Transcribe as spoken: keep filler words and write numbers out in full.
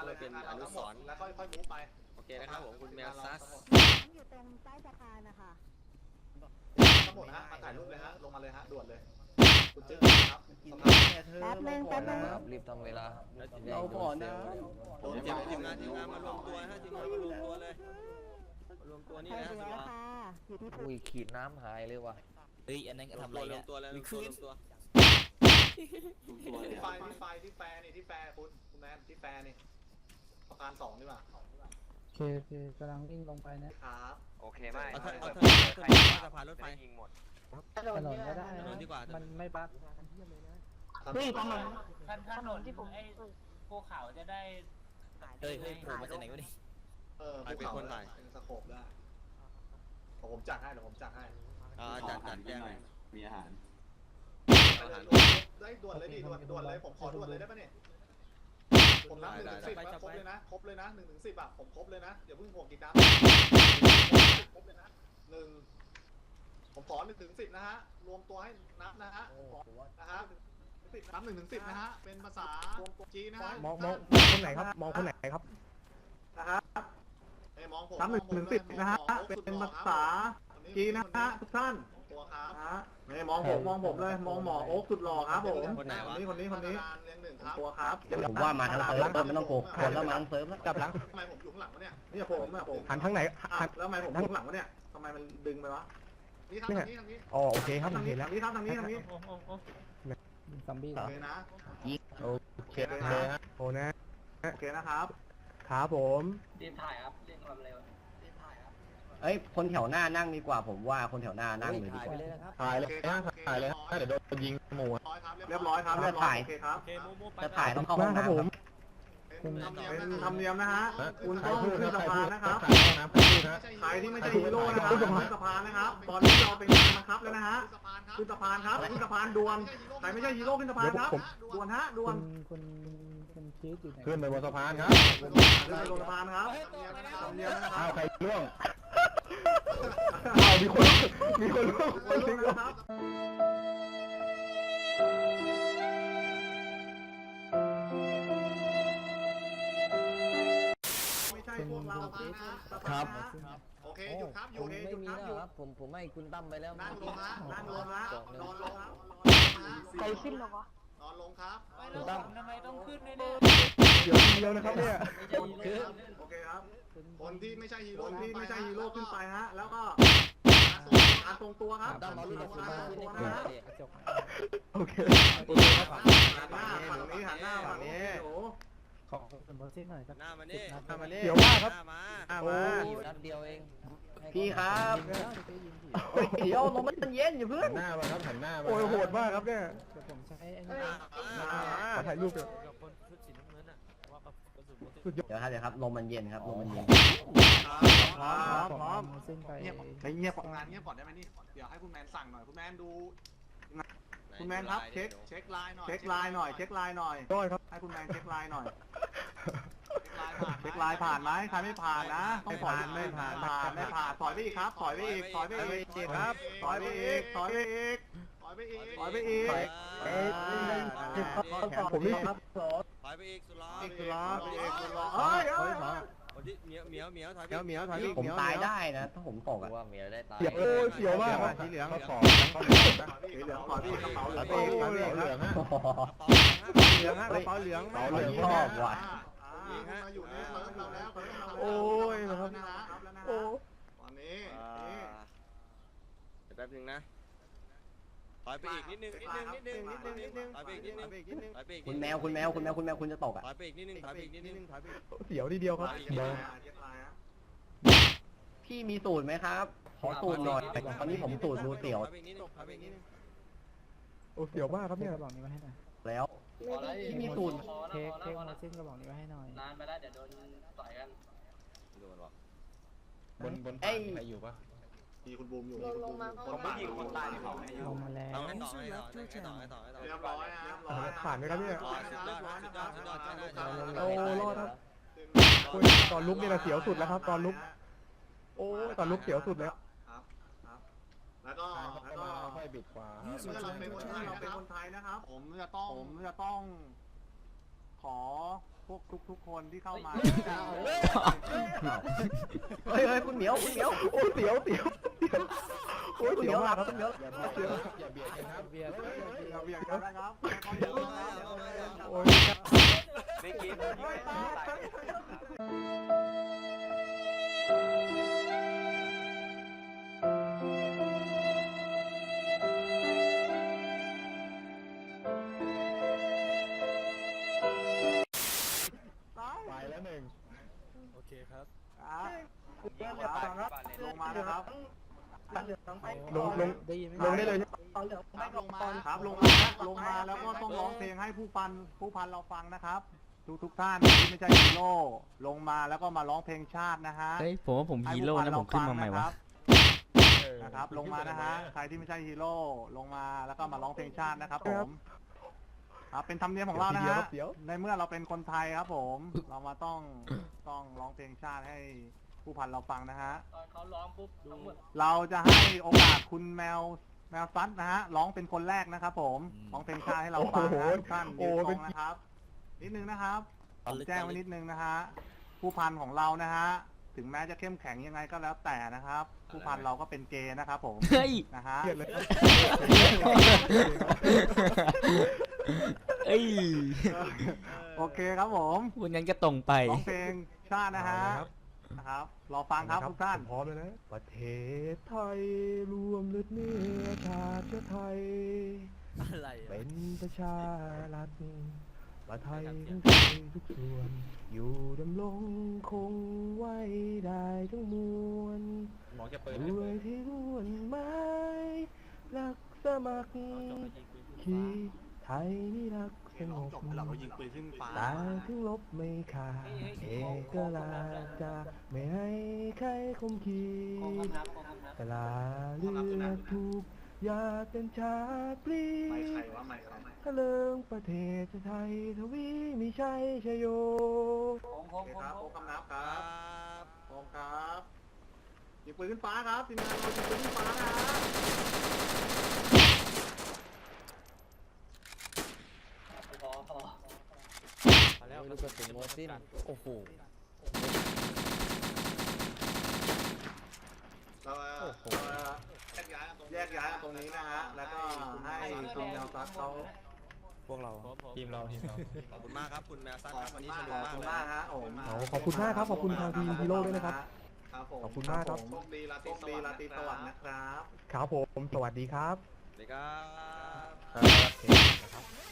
เลยเป็นอนุสรณ์แล้วค่อยๆมูฟไปโอเคนะครับผมคุณแมวซัสอยู่ตรงใต้สะพานนะคะทั้งหมดนะฮะมาถ่ายรูปเลยฮะลงมาเลยฮะด่วนเลยคุณจึ๊กครับแป๊บนึงแป๊บนึงรีบทำเวลาเราก่อนนะผมทีมทีมงานทีมงานมารวมตัวฮะทีมงานมารวมตัวเลยมารวมตัวนี่ใช่นะดูแล้วค่ะอยู่ที่อุ้ยขีดน้ำหายเลยว่ะเฮ้ยอันนั้นทำอะไรรวเนี่มยตัวแล้วรวมตัวรวมตัวที่ไฟที่ไฟที่แฟร์นี่ที่แฟร์คุณคุณแมนที่แฟร์นี่สะพานสองดีกว่าโอเคโอเคกำลังวิ่งลงไปนะครับโอเคไม่เอาไม่เอาไม่เธอไม่เอาสะพานรถไฟยิงหมดถนนก็ได้ถนนนะดีกว่ามันไม่บั๊กเฮ้ยถนนท่านถนนที่ผมไอ้ภูเขาจะได้เฮ้ยเฮ้ยโผล่มาจากไหนวะนี่เออภูเขาเป็นสโคปได้ผมจัดให้เดี๋ยวผมจัดให้อ่าจัดจัดแจ้งเลยมีอาหารได้ด่วนเลยดิด่วนด่วนเลยผมขอด่วนเลยได้ปะเนี่ยผมนับหนึ่งถึงสิบครบเลยนะครบเลยนะหนึ่งถึงสิบอ่ะผมครบเลยนะอย่าเพิ่งห่วงกินน้ำครบเลยนะหนึ่งผมขอหนึ่งถึงสิบนะฮะรวมตัวให้นับนะฮะนะฮะนับหนึ่งถึงสิบนะฮะเป็นภาษาจีนนะฮะมองมองคนไหนครับมองคนไหนครับนะฮะมองผมนับหนึ่งถึงสิบนะฮะเป็นภาษาจีนนะฮะทุกท่านตัวครับฮะไม่มองผมมองผมเลยมองหมอโอ๊คสุดหล่อครับผมคนนี้คนนี้คนนี้ตัวครับผมว่ามาทางเซิร์ฟไม่ต้องโกกคนแล้วมาทางเซิร์ฟแล้วกลับหลังทำไมผมอยู่ข้างหลังวะเนี่ยนี่ผมอ่ะผมหันทางไหนหันแล้วทำไมผมอยู่ข้างหลังวะเนี่ยทำไมมันดึงไปวะนี่ทางนี้ทางนี้อ๋อโอเคครับทางเห็นี้นแล้วนี่ทางนี้ทางนี้โอ้โหโอ้โหซอมบี้โอเคนะโอเคนะโอ้นะโอเคนะครับครับผมรีบถ่ายครับเร่งความเร็วรีบถ่ายครับเอ้ยคนแถวหน้านั่งดีกว่าผมว่าคนแถวหน้านั่งเลยดีกว่าถ่ายเลยนะถ่ายเลยนะเดี๋ยวโดนยิงหมูเรียบร้อยครับเรียบร้อยโอเคครับโอเคมูมูไปจะถ่ายต้องเข้าห้องน้ำครับเป็นธรรมเนียมนะฮะคุณต้องขึ้นสะพานนะครับใครที่ไม่ใช่ฮีโร่นะครับขึ้นสะพานนะครับ ตอนนี้เราเป็นการบังคับแล้วนะฮะขึ้นสะพานครับขึ้นสะพานด่วนใครไม่ใช่ฮีโร่ขึ้นสะพานครับด่วนฮะด่วนคุณคุณชีสอยู่ไหนขึ้นไปบนสะพานครับขึ้นไปลงสะพานครับธรรมเนียมนะครับอ้าวใครล่วงอ้าวมีคนมีคนล่วงคนลุกนะครับไม่ใช่พวกเราครับโอเคหยุดครับหยุผดมไม่หยุดมีครับแล้วหยุดครับผมผมให้คุณตั้มไปแล้วนั่งลงฮะนั่งลงฮะนอนลงใครขึ้นหรอวะนอนลงครับไม่แล้วผมทำไมต้องขึ้นด้วยเนี่ยเดี๋ยวเดียวนะครับเนี่ยโอเคครับคนที่ไม่ใช่ฮีโร่คนที่ไม่ใช่ฮีโร่ขึ้นไปฮะแล้วก็การทรงตัวครับตั้มเอาลูกกระสุนมาขึ้นให้ผมหน่อยดิโอเคหันหน้าฝั่งนี้หันหน้าฝั่งนี้โอ้ขอเป็นโปรเซสหน่อยสักหน้ามานี่หน้ามาเดี๋ยวมากครับหน้ามาโอ้ยนัดเดียวเองพี่ครับเดี๋ยวลมมันเย็นอยู่เพื่อหันนหน้ามาครับหันหน้ามาโอ้ยโหดมากครับเนี่ยเดี๋ยวผมใช้ไอ้นี่ขอถ่ายรูปเดี๋ยวกับคนชุดสีน้ำเงินอ่ะว่ากับกระสุนสุดยอดเดี๋ยวครับเดี๋ยวครับลมมันเย็นครับลมมันเย็นพร้อมพร้อมเส้นไปเงียบเงียบงานเงียบก่อนได้ไหมนี่เดี๋ยวให้คุณแมนสั่งหน่อยคุณแมนดูคุณแมนครับเช็คเช็คไลน์หน่อยเช็คไลน์หน่อยเช็คไลน์หน่อยด้อยครับให้คุณแมนเช็คไลน์หน่อยเช็คไลน์ผ่านไหมใครไม่ผ่านนะต้องปล่อยไม่ผ่านผ่านไม่ผ่านถอยไปอีกครับถอยไปอีกถอยไปอีกครับถอยไปอีกถอยไปอีกถอยไปอีกถอยไปอีกเอ๊ะผมนี่ครับถอยไปอีกสุดล้ออีกสุดล้ออีกสุดล้อเฮ้ยเฮ้ยคนที่เหมียวเหมียวเหมียวถอยเหมียวเหมียวถอยผมตายได้นะถ้าผมตกอะว่าเมียได้ตายเสียวโอ้ยเสียวมากสีเหลืองเขาขอสีเหลืองขอที่กระเป๋าเหลืองเหลืองเหลืองฮะเหลืองฮะกระเป๋าเหลืองเราเหลืองชอบว่ะมาอยู่ในเซิร์ฟเราแล้วโอ้ยนะครับโอ้ตอนนี้เดี๋ยวแป๊บนึงนะถอยไปอีกนิดนึงนิดนึงนิดนึงนิดนึงนิดนึงถอยไปอีกนิดนึงถอยไปอีกคุณแมวคุณแมวคุณแมวคุณแมวคุณจะตกอะถอยไปอีกนิดนึงถอยไปอีกนิดนึงถอยไปอีกเสียวทีเดียวครับพี่มีสูตรไหมครับขอสูตรหน่อยตอนนี้ผมสูตรรูเสียวถอยไปอีกนิดนึงถอยไปอีกนิดนึงโอ้เสียวมากครับเนี่ยกระบอกนี้มาให้หน่อยแล้วพี่มีสูตรเค้กเค้กมาเส้นกระบอกนี้มาให้หน่อยนานไปแล้วเดี๋ยวโดนต่อยกันดูมันบอกบนบนใครอยู่ปะมีคุณบูมอยู่ลงมาคนไม่ยิงคนตายเขาลงมาแล้วเอาให้ต่อให้ต่อให้ต่อให้ต่อให้ต่อเรียบร้อยนะผ่านไหมครับเนี่ยสุดยอดสุดยอดสุดยอดสุดยอดโอ้รอดครับโอ้ยตอนลุกนี่แหละเสียวสุดแล้วครับ ตอนลุกโอ้ยตอนลุกเสียวสุดแล้วครับครับแล้วก็แล้วก็ค่อยบิดขวาเมื่อเราเป็นคนไทยเราเป็นคนไทยนะครับ ผมจะต้องผมจะต้อง ขขอพวกทุกๆคนที่เข้ามาเฮ้ยเฮ้ยคุณเหมียวคุณเหมียวโอ้ยเสียวเสียวโอ้ยคุณเสีเหยมีวยวหมาลักบครับคุณเหมียวอย่าเบียดกันนะครับโอ้ยไม่กินไปแล้วหนึ่งโอเคครับลงมานะครับลงลงได้ยินไหมลงได้เลยใช่ไหมครับลงมาครับลงมานะลงมาแล้วก็ต้องร้องเพลงให้ผู้พันผู้พันเราฟังนะครับ ทุกทุกท่านที่ไม่ใช่ฮีโร่ลงมาแล้วก็มาร้องเพลงชาตินะฮะเฮ้ยผมว่าผมฮีโร่นะผมขึ้นมาใหม่วะนะครับลงมานะฮะใครที่ไม่ใช่ฮีโร่ลงมาแล้วก็มาร้องเพลงชาตินะครับผมครับเป็นธรรมเนียมของเรานะฮะในเมื่อเราเป็นคนไทยครับผม เรามาต้องต้องร้องเพลงชาติให้ผู้พันเราฟังนะฮะตอนเขาร้องปุ๊บทั้งหมดเราจะให้โอกาสคุณแมวแมวซัดนะฮะร้องเป็นคนแรกนะครับผมร้องเพลงชาติให้เราฟังนะทุกท่านยืนตรงนะครับ นิดนึงนะครับผมแจ้งไว้นิดนึงนะฮะผู้พันของเรานะฮะถึงแม้จะเข้มแข็งยังไงก็แล้วแต่นะครับ ผู้พันเราก็เป็นเกย์นะครับผมเฮ้ยนะฮะเกลียดเลยเอ้ยโอเคครับผมวันนั้นก็ตรงไปร้องเพลงชาตินะฮะนะครับรอฟังครับทุกท่านพร้อมเลยนะประเทศไทยรวมเลือดเนื้อชาติเชื้อไทยอะไรเป็นประชารัฐประไทยทั้งใจทุกส่วน อยู่ดำรงคงไว้ได้ทั้งมวลด้วยที่ร่วนไม้รักสมัครขีไทยนี่รักสงบเราก็ยิงปืนขึ้นฟ้าตาถึงลบไม่ขาดเอกราชจะไม่ให้ใครคมขีโคงดคำนับโคงคำนับกลาเลือดถูกยาเป็นชาติปลีไม่ใครว่าไม่ใครทะเลิงประเทศไทยทวีมีชัยชโยโค้งโค้โอง เคโค้ครับงโค้งคำนับคครัรับบ โค้งครับยิงปืนขึ้นฟ้าครับทีมงานเรายิงปืนขึ้นฟ้านะฮะพอพอมาแล้วลูกกระสุนโมซินโอ้โหเราแยกย้ายกันตรงแยกย้ายกันตรงนี้นะฮะแล้วก็ให้คุณแนวซัดเขาพวกเราทีมเราทีมเราขอบคุณมากครับคุณแมวซันขอบครับคุวันณนี้มาสกนุกมากขอบเลคุณยมากฮะโอ้เอาขอบคุณมากครับขอบคุณทางทีมฮีโร่ด้วยนะครับครับผมขอบคุณมากครับโชคดีราตรีโชคดีราตรีสวัสดิ์นะครับครับผม สวัสดีครับสวัสดีครับครับ